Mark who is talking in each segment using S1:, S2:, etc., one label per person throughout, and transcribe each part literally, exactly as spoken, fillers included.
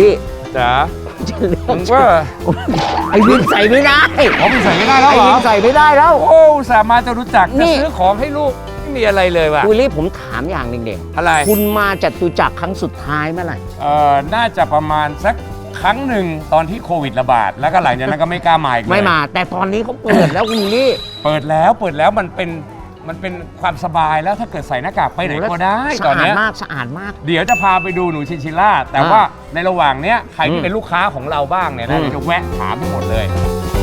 S1: ลี่
S2: จ๋าผมว่า
S1: ไอ้วินใส่ไม่ได้
S2: ผมใส่ไม่ได้แล้วเหรอ
S1: ไอ้วินใส่ไม่ได้แล้ว
S2: โอ้สามารถจะรู้จักจะซื้อของให้ลูกไม่มีอะไรเลยว่ะ
S1: วิลลี่ผมถามอย่างหนึ่งเด็ก
S2: อะไร
S1: คุณมาจตุจักรครั้งสุดท้ายเมื่อไหร่
S2: เอ่อน่าจะประมาณสักครั้งหนึ่งตอนที่โควิดระบาดแล้วก็หลังจากนั้นก็ไม่กล้ามาอีกเลย
S1: ไม่มาแต่ตอนนี้เขาเปิดแล้วคุณวิลลี่
S2: เปิดแล้วเปิดแล้วมันเป็นมันเป็นความสบายแล้วถ้าเกิดใส่หน้ากากไปไหนก็ได้ตอนนี้
S1: สะอาดมากสะอาดมาก
S2: เดี๋ยวจะพาไปดูหนูชินชิล่าแต่ว่าในระหว่างเนี้ยใครที่เป็นลูกค้าของเราบ้างเนี่ยนะเดี๋ยวจะแวะถามทั้งหมดเลย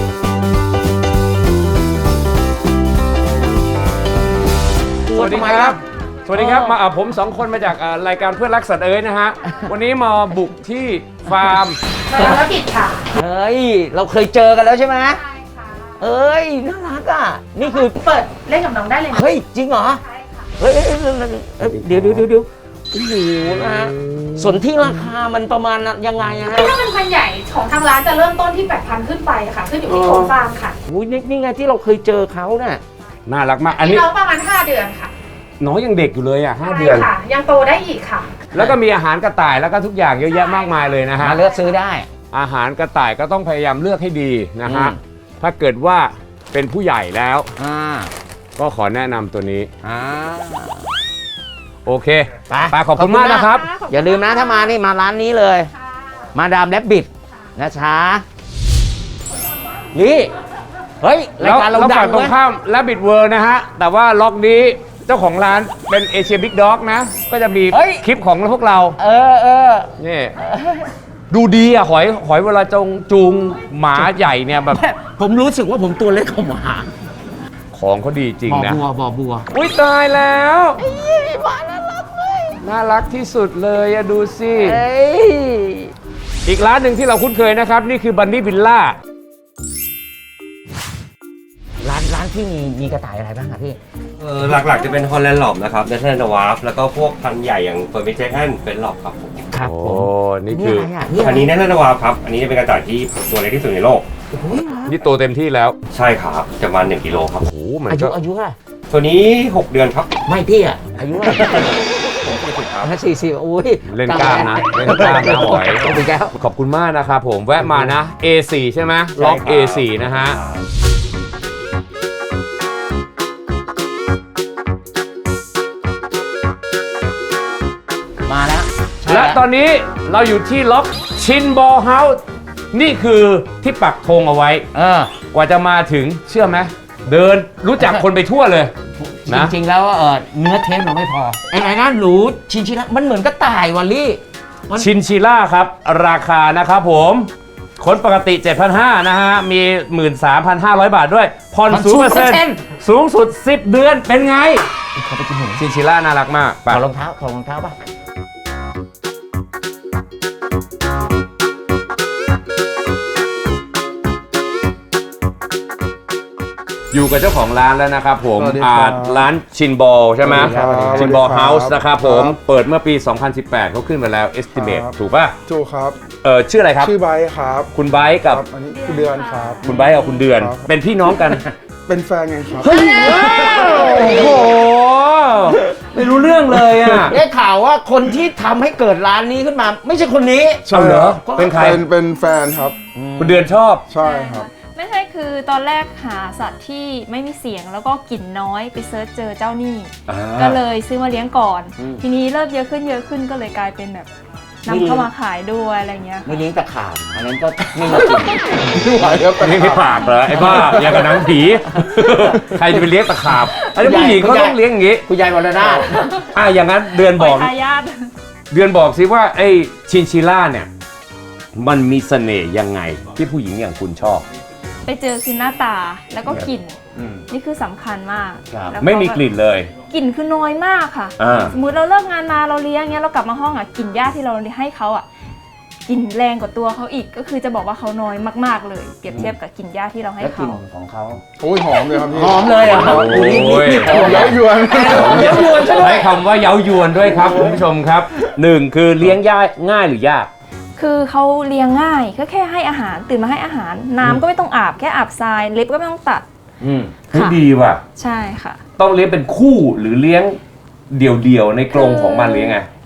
S2: สวัสดีครับสวัสดีครับมาผมสองคนมาจากรายการเพื่อนรักสัตว์เอ๋ยนะฮะวันนี้มาบุกที่ฟาร์ม
S3: ธุรกิจค่ะ
S1: เฮ้ยเราเคยเจอกันแล้วใช่ไหมใช่ค่ะเอ้ยน่ารักอ่ะนี่คือ
S3: เปิดเล่นกับน้องได้เลย
S1: เฮ้ยจริงเหรอใช่ค่ะเฮ้ยเดี๋ยวเดี๋ยวเดี๋ยวเดี๋ยวโอ้โหนะฮะส่วนที่ราคามันประมาณยังไงฮะ
S3: ถ้าเป็นพันใหญ่ของทางร้านจะเริ่มต้นที่ แปดพัน ขึ้นไปค่ะขึ้นอยู่ที่โครงฟาร์มค่ะ
S1: โอ้ยนี่ไงที่เราเคยเจอเขาเนี่ย
S2: น่ารักมาก
S3: อันนี้น้องประมาณห้าเดือนค่ะ
S2: น้องยังเด็กอยู่เลยอ่ะห้าเดือน
S3: ค่ะยังโตได้อีกค่ะ
S2: แล้วก็มีอาหารกระต่ายแล้วก็ทุกอย่างเยอะแยะมากมายเลยนะฮะ
S1: เลือกซื้อได้
S2: อาหารกระต่ายก็ต้องพยายามเลือกให้ดีนะฮะถ้าเกิดว่าเป็นผู้ใหญ่แล้วก็ขอแนะนำตัวนี้โอเคไปขอบคุณมากนะครับ
S1: อย่าลืมนะถ้ามานี่มาร้านนี้เลยมาดามแรบบิทนะช้านี่เฮ้ยรายการเราดัง
S2: ตรงข้ามแรบบิทเวิลด์นะฮะแต่ว่าล็อกนี้เจ้าของร้านเป็นเอเชียบิ๊กด็อกนะก็จะมีคลิปของพวกเรา
S1: เออเออ
S2: นี่ดูดีอ่ะหอยหอยเวลาจงจูงหมาใหญ่เนี่ยแบบ
S1: ผมรู้สึกว่าผมตัวเล็กกว่าหมา
S2: ของเขาดีจริงนะ
S1: บ่อบัวบ่อบัว
S2: อุ้ยตายแล้วน่ารักเลยน่ารักที่สุดเลยอะดูสิอีกร้านหนึ่งที่เราคุ้นเคยนะครับนี่คือบันนี่วิลล่า
S1: ร้านร้านที่มีมีกระต่ายอะไรบ้างครับพี่
S4: เออหลักๆจะเป็นฮอลแลนด์หลอบนะครับเนเธอร์แลนด์วาร์ฟแล้วก็พวกพันธุ์ใหญ่อย่างเฟอร์มิเจแอนเป็นหลอบครับผม
S1: ครับ
S2: โอ้นี่คือ
S4: อันนี้เนเธอร์แลนด์วาร์ฟครับอันนี้จะเป็นกระต่ายที่ตัวเล็กที่สุดในโลก
S2: นี่โตเต็มที่แล้ว
S4: ใช่ครับจะมาหนึ่งกิโลครับ
S2: โอ้โหมัน
S1: อายุอายุอะ
S4: ตัวนี้หกเดือนครับ
S1: ไม่พี่อะอายุอะสี่สิบอุ้ย
S2: เล่นกล้ามนะเล่นกล้ามนะหอยขอบคุณมากนะครับผมแวะมานะ เอ โฟร์ ใช่ไหมล็อก เอ โฟร์ นะฮะ
S1: มาแล้ว
S2: และตอนนี้เราอยู่ที่ล็อกชินบอลเฮาส์นี่คือที่ปักธงเอาไว้กว่าจะมาถึงเชื่อไหมเดินรู้จักคนไปทั่วเลย
S1: นะจริงๆแล้วเออเนื้อเทปเราไม่พอไอ้ไอ้นั่นหนูชินชิล่ามันเหมือนกระต่ายวัลลี่
S2: ชินชิล่าครับราคานะครับผมคนปกติ เจ็ดพันห้าร้อย นะฮะมี หนึ่งหมื่นสามพันห้าร้อย บาทด้วยผ่อน ศูนย์เปอร์เซ็นต์ สูงสุดสิบเดือนเป็นไง
S1: เขาไปกินหนู
S2: ชินชิล่าน่ารักมาก
S1: ถอดรองเท้าถอดรองเท้าป่ะ
S2: อยู่กับเจ้าของร้านแล้วนะครับผมร้านชินบอลใช่ไหมชินบอลเฮาส์นะครับผมเปิดเมื่อปี สองพันสิบแปด เขาขึ้นมาแล้ว estimate ถูกป่ะ
S5: ถูกครับ
S2: เออชื่ออะไรครับ
S5: ชื่อไบค์ครับ
S2: คุณไบค์กับ
S5: อันนี้คุณเดือนครับ
S2: คุณไบค์กับคุณเดือนเป็นพี่น้องกัน
S5: เป็นแฟนไงครับ
S2: เฮ้ยโอ้โหไม่รู้เรื่องเลยอ่ะ
S1: ได้ข่าวว่าคนที่ทำให้เกิดร้านนี้ขึ้นมาไม่ใช่คนนี้
S2: ใช่เหรอเป็นใคร
S5: เป็นแฟนครับ
S2: คุณเดือนชอบ
S5: ใช่ครับ
S6: ไม่ใช่คือตอนแรกหาสัตว์ที่ไม่มีเสียงแล้วก็กลิ่นน้อยไปเซิร์ชเจอเจ้านี่ก็เลยซื้อมาเลี้ยงก่อนทีนี้เริ่มเยอะขึ้นเยอะขึ้นก็เลยกลายเป็นแบบนำเข้ามาขายด้วยอะไรเงี้ย
S1: ไม่เลี้ยงตะขาบอันนั้นก็ไม่มากิน
S2: ไม่ไหวแล้วเลี้ยงไม่ปากเหรอไอ้บ้าอย่างกับหนังผีใครจะไปเลี้ยงตะขาบอันนี้ผู้หญิงเขาต้องเลี้ยงอย่างงี้
S1: คุณยายมรณะ
S2: อ่ะอย่างนั้นเดือนบอกเดือนบอกสิว่าไอ้ชินชิล่าเนี่ยมันมีเสน่ห์ยังไงที่ผู้หญิงอย่างคุณชอบ
S6: ไปเจอคือหน้าตาแล้วก็กลิ่นนี่คือสำคัญมาก
S2: ไม่มีกลิ่นเลย
S6: กลิ่นคือน้อยมากค่ะสมมุติเราเลิกงานมาเราเลี้ยงเงี้ยเรากลับมาห้องอ่ะกลิ่นหญ้าที่เราให้เขาอ่ะกลิ่นแรงกว่าตัวเขาอีกก็คือจะบอกว่าเขาน้อยมากๆเลยเปรียบเทียบกับกลิ่นหญ้าที่เราให้เขา
S1: กลิ่นของเขา
S5: โอ้ยหอมเลยครับพี่
S1: หอมเลยอ่ะ
S2: โอ้ย
S5: เย้ายวน
S2: เย้ายวนใช้คำว่าเย้ายวนด้วยครับคุณผู้ชมครับหนึ่งคือเลี้ยงหญ้าง่ายหรือยาก
S6: คือเขาเลี้ยงง่ายก็แค่ให้อาหารตื่นมาให้อาหารน้ำก็ไม่ต้องอาบแค่อาบทรายเล็บก็ไม่ต้องตัด
S2: อืมดีว่ะ
S6: ใช่ค่ะ
S2: ต้องเลี้ยงเป็นคู่หรือเลี้ยงเดี่ยวๆในกรงของมันเลี้ยงไง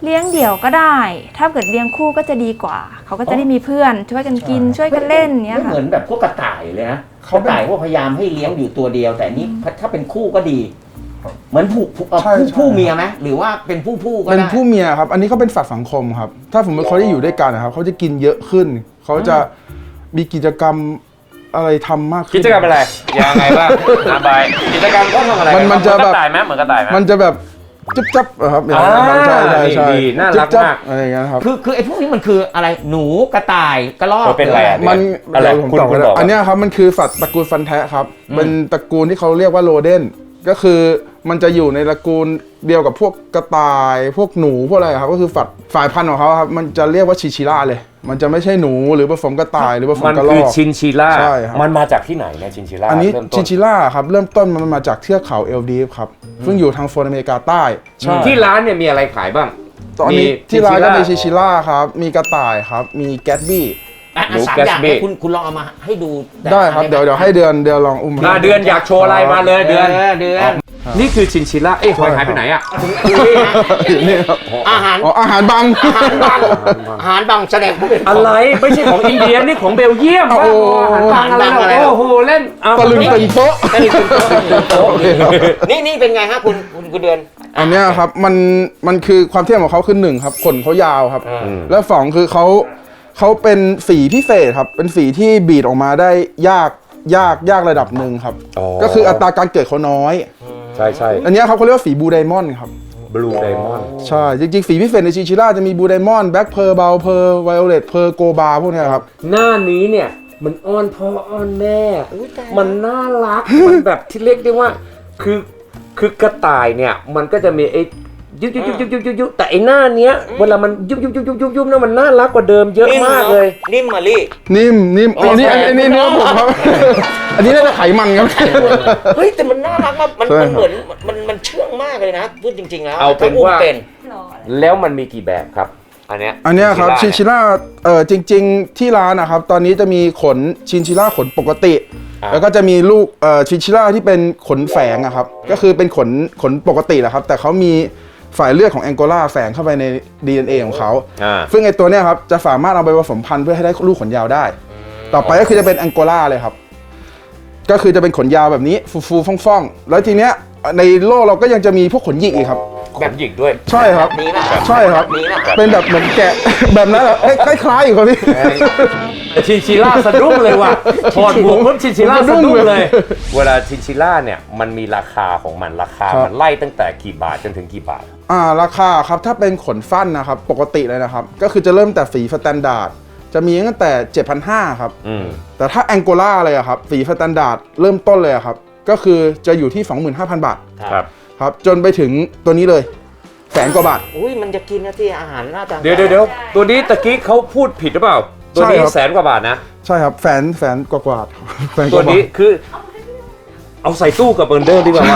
S6: เลี้ยงเดี่ยวก็ได้ ถ้าเกิดเลี้ยงคู่ก็จะดีกว่า เขาก็จะได้มีเพื่อนช่วยกันกินช่วยกันเล่นเนี้ย
S1: ไม่
S6: ค่ะ
S1: เหมือนแบบพวกกระต่ายเลยนะ
S5: เขา
S1: กระ
S5: เป็น
S1: ต่ายพวกพยายามให้เลี้ยงอยู่ตัวเดียว แต่นี่ถ้าเป็นคู่ก็ดี เหมือนผู้ผู้เอ่อ
S5: ใช่
S1: ผู้
S5: ใช่
S1: ผู้เมียไหมหรือว่าเป็นผู้ผู้ก็
S5: เป็น
S1: ได้
S5: ผู้เมียครับ อันนี้เขาเป็นสัตว์สังคมครับ ถ้าสมมติเขาได้อยู่ด้วยกันนะครับเขาจะกินเยอะขึ้น เขาจะมีกิจกรรมอะไรทำมากขึ้น
S2: กิจกรรมอะไรยังไงบ้างอาบายกิจกรรมเขาทำอะไร
S5: มันมันจะ
S2: เห
S5: แบบ
S2: กระต่ายไหมเหมือนกระต่ายไหม
S5: มันจะแบบจุ๊บจับอะครับอย่างนั้น
S2: อ่า
S5: ใช่ใช่ใช่
S2: ดีน่ารัก
S5: จุ๊บจับ
S2: มาก
S5: อะไรอย่างเงี้ยครับ
S1: คือคือไอ้พวกนี้มันคืออะไรหนูกระต่ายกระรอก
S2: เออเป็นอะไรอะ
S5: มัน
S2: อะไร
S5: เดี๋ยวผม
S2: คุณ
S5: ตอบ
S2: คุณ
S5: กัน
S2: บอก
S5: อันเนี้ยครับมันคือสัตว์ตระกูลฟันแทะครับ เป็นตระกูลที่เขาเรียกว่าโรเดนก็คือมันจะอยู่ในตระกูลเดียวกับพวกกระต่าย พวกหนูพวกอะไรครับก็คือสัตว์ฝ่ายพันธุ์ของเขาครับมันจะเรียกว่าชิชิล่าเลย มันจะไม่ใช่หนูหรือผสมกระต่ายหรือผสม
S2: มัน
S5: กระร
S2: คือ
S5: อก
S2: ชินชิล่า
S5: ใช่ครับ
S2: มันมาจากที่ไหนเนี่ยชินชิล่า
S5: อันนี้
S2: เริ่มต้
S5: ชินชิล่าครับเริ่มต้นมันมาจากเทือกเขาเอลดีฟครับซึ่งอยู่ทางโซนอเมริกาใต้
S2: ที่ร้านเนี่ยมีอะไรขายบ้าง
S5: ตอนนี้ที่ร้านก็มีชิ
S2: ชิ
S5: ชิล่าครับมีกระต่ายครับมีแกตบี้
S1: อ่ะ
S2: หนู
S1: สาม
S2: แกส
S1: อย่าง
S2: บี้
S1: เนี่ยคุณคุณลองเอามาให้ดู
S5: ได้ครับเดี๋ยวเดี๋ยวให้เดือนเดือนลองอุ้ม
S2: อ่าเดือนอยากโชว์อะไรมาเลยเดือน
S1: เดือน
S2: นี่คือชินชิล่าเอ้ยหอยหายไปไหนอ่ะ
S5: นี่ครับ
S1: อาหาร
S5: อ๋ออาหารบัง
S1: อาหารบางอาหารบางแสดงว่าเป็น
S2: อะไรไม่ใช่ของอินเดียนี่ของเบลเยียม
S5: โอ้โห
S2: บ้าบออาหารบางอะไรหรอโอ้โหเล่นเอา
S5: ตะลึงตึงโต๊ะ
S1: อันนี้คุณโต๊ะนี่นี่เป็นไงฮะคุณคุณคุณเดือน
S5: อันเนี้ยครับมันมันคือความเท่ของเขาคือหนึ่งครับขนเขายาวครับ
S1: อืม
S5: แล้วสองคือเขาเขาเป็นสีพิเศษครับเป็นสีที่บีดออกมาได้ยากยากยากระดับหนึ่งครับ ก็คืออัตราการเกิดเขาน้อย
S2: ใช่ใช่
S5: อันเนี้ยครับเขาเรียกว่าสีบูไดมอนด์ครับ
S2: บลูไดมอนด์
S5: ใช่ จริงๆ สีพิเศษในชิชิล่าจะมีบูไดมอนด์แบล็กเพอร์เบลเพอร์ไวโอเลตเพอร์โกบาพวกเนี้ยครับ
S2: หน้านี้เนี่ยมันอ้อนพ่ออ้อนแม่ มันน่ารัก มันแบบที่เรียกได้ว่า คือคือกระต่ายเนี่ยมันก็จะมีไอ้ยุบยุบยุบยุบยุบยุบยุบแต่ไอ้หน้าเนี้ยเวลามันยุบยุบยุบยุบยุบยุบเนี่ยมันน่ารักกว่าเดิมเยอะมากเลย
S1: นิ่มมาลี่
S5: นิ่มนิ่มอันนี้อันนี้เนื้อผมครับ อันนี้น่าจะไขมันครับ
S1: เฮ้ยแต่มันน่ารักมากมัน
S5: ใช่
S1: มันเหมือนมันมันเชื่องมากเลยนะพูดจริงๆแล้ว
S2: เอาเป็น
S1: ถ้อุ้ม
S2: ว่า
S1: เป็น
S2: แล้วมันมีกี่แบบครับ อันเนี้ย
S5: อันเนี้ยครับชิน
S2: ชิ
S5: ชิล่าเออจริง ๆ ที่ร้านนะครับ ตอนนี้จะมีขนชินชิล่าขนปกติ แล้วก็จะมีลูกเอ่อชินชิล่าที่เป็นขนแฝงอะครับ ก็คือเป็นขนขนปกติแหละครับ แต่เขามีสายเลือดของแองโกลาแฝงเข้าไปใน ดี เอ็น เอ ของเขา
S2: อ่า
S5: ซึ่งไอตัวเนี้ยครับจะสามารถเอาไปผสมพันธุ์เพื่อให้ได้ลูกขนยาวได้ ต่อไปก็คือจะเป็นแองโกลาเลยครับ ก็คือจะเป็นขนยาวแบบนี้ฟูๆฟ่องๆแล้วทีเนี้ยในโลกเราก็ยังจะมีพวกขนหยิกอีกครับ
S2: แบบหยิกด้วย
S5: ใช่ครับ
S1: นี้นะ
S5: ใช่ครับ
S1: นี้นะ
S5: เป็นแบบเหมือนแกะ แบบนั้นแหละเอ้ยคล้ายๆอยู่ครับพี่
S2: ชินชิล่าสะดุ้งเลยว่ะถอดหมวกปุ๊บชินชิล่าสะดุ้งเลย
S5: สะดุ้งเลย
S2: เวลาชินชิล่าเนี่ยมันมีราคาของมันราคา
S5: ครับ
S2: มันไล่ตั้งแต่กี่บาทจนถึงกี่บาท
S5: อ่าราคาครับถ้าเป็นขนฟันนะครับปกติเลยนะครับ ก็คือจะเริ่มแต่สีสแตนดาร์ดจะมีตั้งแต่ เจ็ดพันห้าร้อย ครับ
S2: อืม
S5: แต่ถ้าแองโกลาเลยอะครับสีสแตนดาร์ดเริ่มต้นเลยอะครับ ก็คือจะอยู่ที่ สองหมื่นห้าพัน บาท
S2: ครับ
S5: ครับจนไปถึงตัวนี้เลยแสนกว่าบาท
S1: อุ้ยมันจะกินนะที่อาหารหน้าตา
S2: เดี๋ยวเดี๋ยวเดี๋ยวตัวนี้ตะกี้เขาพูดผิดหรือเปล่า ตัวนี้
S5: ใช่ครับ
S2: แสนกว่าบาทนะ
S5: ใช่ครับแสนแสนกว่ากว่าครับแสนก
S2: ตัว
S5: ว่าบา
S2: นี้
S5: ท
S2: คือ เอาใส่ตู้กับเบอร์เดอร์ดีกว่าว่า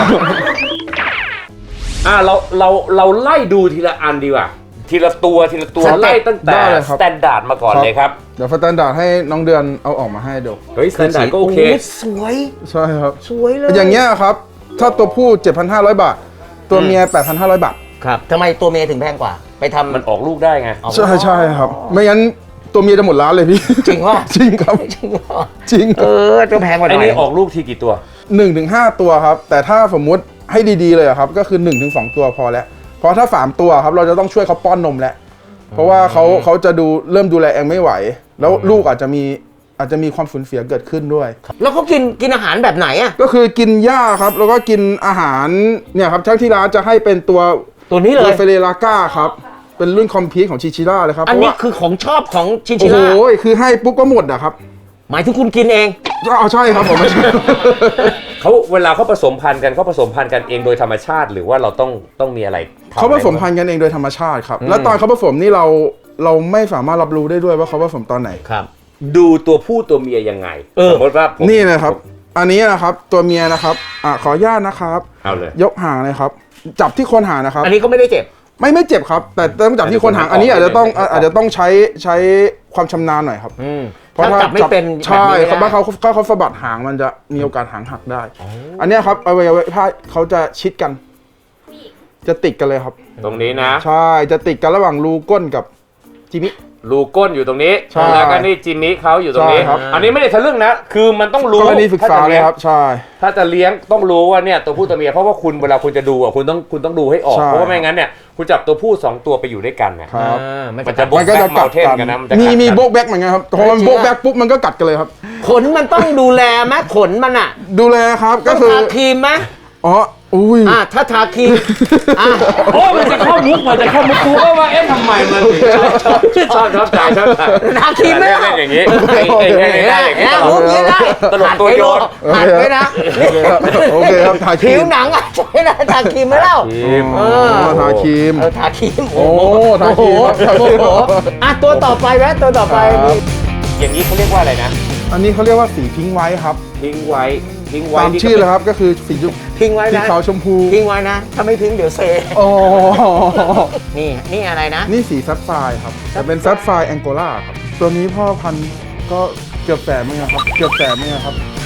S2: อ่าเราเราเราไล่ดูทีละอันดีกว่า ทีละตัวทีละตัวไล่ตั้งแต่
S5: ได้เลยครับ
S2: สแตนดาร์ดมาก่อนเลยครับ
S5: เดี๋ยวสแตนดาร์ดให้น้องเดือนเอาออกมาให้ดู
S2: เฮ้ยสแตนดาร์ดก็โอเค
S1: ยสวย
S5: ใช่ครับ
S1: สวยเลย
S5: อย่างเงี้ยครับ ถ้าตัวผู้ เจ็ดพันห้าร้อย บาท ตัวเมีย แปดพันห้าร้อย บาท
S1: ครับทำไมตัวเมย์ถึงแพงกว่า ไปทำ
S2: มันออกลูกได้ไง
S1: เอา
S5: ใช่ใช่ครับ ไม่งั้นตัวเมียจะหมดร้านเลยพี่
S1: จริงวะ
S5: จริงครับ
S1: จริงเหรอ
S5: จริง
S1: เออจะแพงกว่าห
S2: ไอ้
S1: น่อย
S2: นี่ออกลูกทีกี่ตัว
S5: หนึ่งถึงห้าตัวครับ แต่ถ้าสมมุติให้ดีๆเลยอะครับ ก็คือหนึ่งถึงสองตัวพอแล้ว เพราะถ้าสามตัวครับเราจะต้องช่วยเขาป้อนนมแล้ว เพราะว่าเขาเขาจะดูเริ่มดูแลเองไม่ไหว แล้วลูกอาจจะมีอาจจะมีความสูญเสียเกิดขึ้นด้วย
S1: แล้วเขากินกินอาหารแบบไหนอะ
S5: ก็คือกินหญ้าครับ แล้วก็กินอาหารเนี่ยครับทั้งที่ร้านจะให้เป็นตัว
S1: ตัวนี้เล
S5: ตัวย เฟเรลาก้าครับ เป็นรุ่นคอมพีทของชิชิล่าเลยครับ
S1: อัน
S5: เพราะ
S1: นี้
S5: ว่า
S1: คือของชอบของชิน
S5: โอ้
S1: ชิ
S5: โห
S1: ล่า
S5: คือให้ปุ๊บก็หมดอะครับ
S1: หมายถึงคุณกินเอง
S5: เอาใช่ครับผมไม่ใช่
S2: เขาเวลาเขาผสมพันธุ์กันเขาผสมพันธุ์กันเองโดยธรรมชาติ หรือว่าเราต้องต้องมีอะไรทำ
S5: เขาผสมพันธุ์กันเองโดยธรรมชาติครับ แล้วตอนเขาผสมนี่เราเราไม่สามารถรับรู้ได้ด้วยว่าเขาผสมตอนไหน
S1: ครับ
S2: ดูตัวผู้ตัวเมียยังไง
S1: เออ
S2: สมมติว่าผม
S5: นี่นะครับ อันนี้นะครับตัวเมียนะครับอ่ะขออนุญาตนะครับ
S2: เอาเลย
S5: ยกหางเลยครับ จับที่โคนหางนะครับ
S1: อันนี้ก็ไม่ได้เจ็บ
S5: ไม่ไม่เจ็บครับ แต่ต้องจับที่โคนหาง อันนี้อาจจะต้องอาจจะต้องใช้ใช้ความชำนาญหน่อยครับ
S1: อืม
S5: เพราะ
S1: ถ้า
S5: ถ้า
S1: จับไม่เป็น
S5: ใช่
S1: แบบนี้
S5: เขา
S1: ไม่ได้
S5: เขาเขาเขาสะบัดหางมันจะมีโอกาสหางหักได้ อันเนี้ยครับอวัยวะเพศเขาจะชิดกันจะติดกันเลยครับ
S2: ตรงนี้นะ
S5: ใช่จะติดกันระหว่างรูก้นกับจิมิ
S2: รูก้นอยู่ตรงนี้
S5: ใช่
S2: แล้วก็นี่จิมมี่เขาอยู่ตรงนี้
S5: ใช่ครับ
S2: อันนี้ไม่ได้ทะลึ่งนะ คือมันต้องรู้
S5: กรณีศึกษา
S2: ถ้จะ
S5: เล
S2: ลี้
S5: ย
S2: ง
S5: ครับใช่
S2: ถ้าจะเลี้ยงต้องรู้ว่าเนี่ยตัวผู้ตัวเมียเพราะว่าคุณเวลาคุณจะดูอ่ะคุณต้องคุณต้องดูให้ออก
S5: ใช่
S2: เพราะว่าไม่งั้นเนี่ยคุณจับตัวผู้สองตัวไปอยู่ด้วยกันเนี่ย
S5: ครับ
S1: อ่ามัน
S2: มัน
S1: จะ
S2: จะบก
S5: มันก็
S2: แบ็
S5: จะ
S2: ก
S5: กั
S2: เมา
S5: ด
S2: เทน
S5: กัน
S2: กันนะมันจะ
S5: มี
S2: กัด
S5: มี
S2: กัน
S5: โบกแบ็กเหมือนกันครับพอมันโบกแบ็กปุ๊บมันก็กัดกันเลยครับ
S1: ขนมันต้องดูแลไหมขนมันอ่ะ
S5: ดูแลครับ
S1: ต้
S5: ก็
S1: อง
S5: คือ
S1: ทาครีมไหม
S5: อ๋ออุ้ย
S1: อ่าถ้าทาครีมอ่า
S2: โอ้มันจะเข้ามุกมันจะเข้ามุกกูก็ว่าเอ๊ะทำไมมันถึงชอบชอบชอบชอบใจชอบใจ
S1: ทาครีมไหม
S2: เล่นอย่างนี้เอ้ยเอ้ยเอ้ยเอ้ยได้อย่างนี้ตล
S1: มุ
S2: ก
S1: กนี้ได้
S2: ตลกตัวโยน
S1: หัดไว้นะ
S5: โอเคครับถ่ายครี
S1: ผิว
S5: ม
S1: หนังอ่ะใช่ไหมทาครีมไหมเล่า
S2: ครีม
S1: เออ
S5: ทาครีม
S1: เออทาครีม
S5: โอ้ทาครีมครับทาครีม
S1: โอ้โหอ่ะตัวต่อไปแวะตัวต่อไป
S5: ครับ
S2: อย่างนี้เขาเรียกว่าอะไรนะ
S5: อันนี้เขาเรียกว่าสีพิงค์ไว้ครับ
S2: ทิ้งไว้ทิ้งไว้
S5: ตาม
S2: นี่ก็
S5: ชื่อเลยครับก็คือสี
S1: ทิ้งไว้
S5: สี
S1: นะ
S5: ขาวชมพู
S1: ทิ้งไว้นะ ถ้าไม่ทิ้งเดี๋ยวเซ
S5: โอ้
S1: นี่นี่อะไรนะ
S5: นี่สีซับไฟร์ครับแต่เป็นซับไฟร์แองโกลาครับตัวนี้พ่อพันธุ์ก็เกือบแสนเหมือนกันครับเกือบแสนเหมือนกันครับ